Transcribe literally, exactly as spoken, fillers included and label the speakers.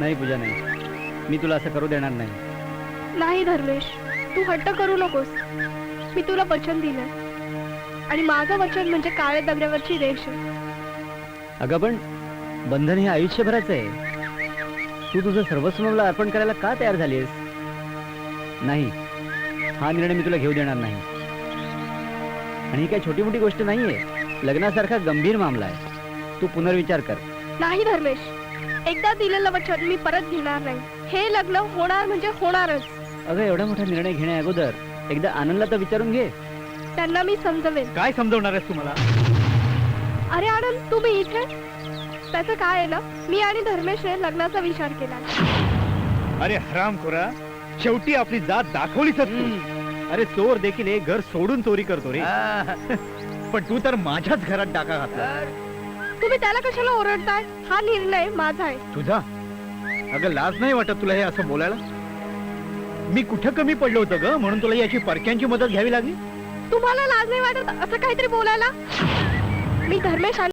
Speaker 1: नाही पूजा, नाही, मी तुला असं करू देणार नाही.
Speaker 2: नाही धर्मेश, तू हट्ट करू नकोस. मी तुला वचन दिलंय आणि माझं वचन म्हणजे काळ्या दगडावरची रेष आहे.
Speaker 1: अगं पण बंधन हे आयुष्यभराचं आहे. तू तुझं सर्वस्व मला अर्पण करायला का तयार झालीस? नाही, हा निर्णय मी तुला घेऊ देणार नाही. आणि ही काही छोटी मोठी गोष्ट नाहीये. लग्नासारखा गंभीर मामला आहे. तू पुनर्विचार कर.
Speaker 2: नाही धर्मेश, एकदा दिलेलं वचन मी परत घेणार नाही. हे लग्न होणार म्हणजे होणारच.
Speaker 1: अगं एवढा मोठा निर्णय घेण्या अगोदर एकदा आनंदला तर विचारून घे.
Speaker 2: त्यांना मी समजवेन.
Speaker 3: काय समजवणार आहेस तुम्हाला?
Speaker 2: अरे आनंद, तुम्ही इथे? त्याचं काय आहे ना, मी आणि धर्मेशने लग्नाचा विचार केला.
Speaker 3: अरे हरामखोरा, शेवटी आपली जात दाखवलीच तू. अरे चोर देखील एक घर सोडून चोरी करतो रे. पण तू तर माझ्याच घरात डाका घातला.
Speaker 2: तुम्ही त्याला कशाला ओरडताय? हा निर्णय माझा आहे.
Speaker 3: तुझा? अगं लाज नाही वाटत तुला हे असं बोलायला? मी कुठं कमी पडलो होतं ग म्हणून तुला याची परक्यांची मदत घ्यावी लागली?
Speaker 2: तुम्हाला लाज नाही वाटत असं काहीतरी बोलायला? मी धर्मेश